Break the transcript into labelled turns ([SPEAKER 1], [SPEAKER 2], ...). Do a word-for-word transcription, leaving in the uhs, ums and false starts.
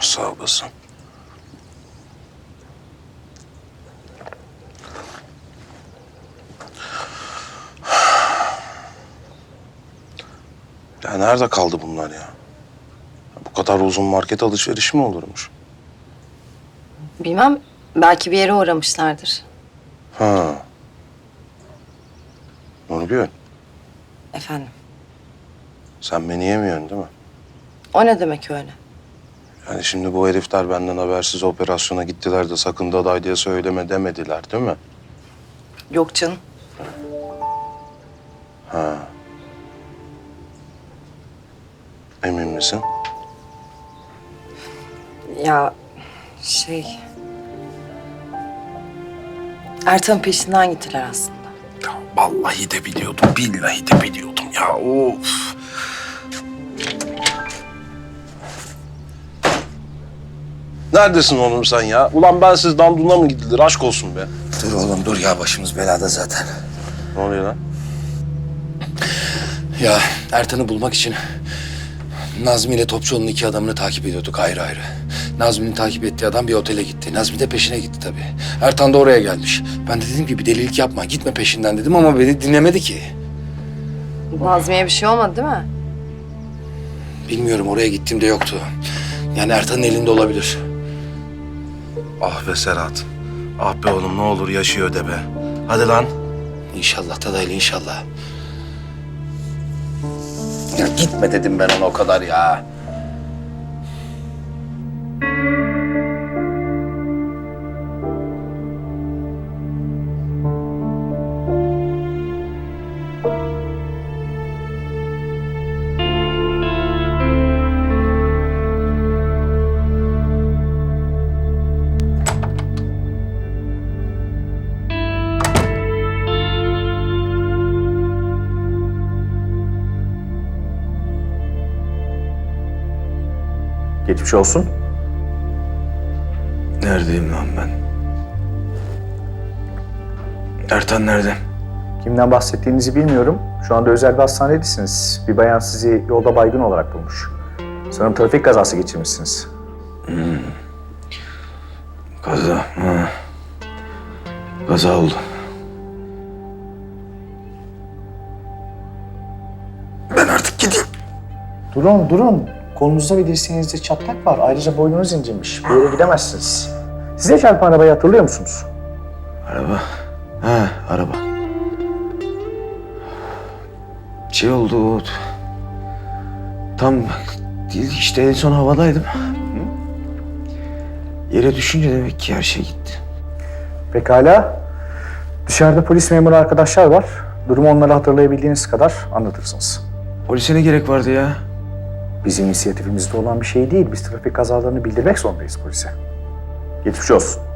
[SPEAKER 1] Sağ olasın. Ya nerede kaldı bunlar ya? Bu kadar uzun market alışverişi mi olurmuş?
[SPEAKER 2] Bilmem, belki bir yere uğramışlardır.
[SPEAKER 1] Ha. Nurgül,
[SPEAKER 2] Efendim,
[SPEAKER 1] sen beni yemiyorsun değil mi?
[SPEAKER 2] o ne demek öyle?
[SPEAKER 1] Yani şimdi bu herifler benden habersiz operasyona gittiler de sakın daday diye söyleme demediler değil mi?
[SPEAKER 2] Yok canım.
[SPEAKER 1] Ha. Emin misin?
[SPEAKER 2] Ya şey... Ertan'ın peşinden gittiler aslında.
[SPEAKER 1] Ya vallahi de biliyordum, billahi de biliyordum ya. Of. Neredesin oğlum sen ya? Ulan ben siz danduna mı gidilir? Aşk olsun be.
[SPEAKER 3] Dur oğlum dur ya, başımız belada zaten.
[SPEAKER 1] Ne oluyor lan?
[SPEAKER 3] Ya Ertan'ı bulmak için Nazmi ile Topçuoğlu'nun iki adamını takip ediyorduk ayrı ayrı. Nazmi'nin takip ettiği adam bir otele gitti. Nazmi de peşine gitti tabii. Ertan da oraya gelmiş. Ben de dedim ki bir delilik yapma, gitme peşinden dedim ama beni dinlemedi ki.
[SPEAKER 2] Nazmiye'ye bir şey olmadı değil mi?
[SPEAKER 3] Bilmiyorum, oraya gittiğimde yoktu. Yani Ertan'ın elinde olabilir.
[SPEAKER 1] Ah be Serhat. Ah be oğlum ne olur yaşıyor de be. Hadi lan.
[SPEAKER 3] İnşallah Dadaylı, inşallah. Ya gitme dedim ben ona o kadar ya.
[SPEAKER 4] Geçmiş olsun.
[SPEAKER 1] Neredeyim lan ben? Ertan nerede?
[SPEAKER 4] Kimden bahsettiğinizi bilmiyorum. Şu anda özel bir hastanedesiniz. Bir bayan sizi yolda baygın olarak bulmuş. Sanırım trafik kazası geçirmişsiniz.
[SPEAKER 1] Kaza. Ha. Kaza oldu. Ben artık gideyim.
[SPEAKER 4] Durun, durun. Kolunuzda ve dirseğinizde çatlak var. Ayrıca boynunuz incinmiş. Bir yere gidemezsiniz. Size çarpan arabayı hatırlıyor musunuz?
[SPEAKER 1] Araba. Ha, araba. Şey oldu. Tam değil işte en son havadaydım. Yere düşünce demek ki her şey gitti.
[SPEAKER 4] Pekala. Dışarıda polis memuru arkadaşlar var. Durumu onlara hatırlayabildiğiniz kadar anlatırsınız.
[SPEAKER 1] Polise ne gerek vardı ya?
[SPEAKER 4] Bizim inisiyatifimizde olan bir şey değil. Biz trafik kazalarını bildirmek zorundayız polise. Geçmiş olsun.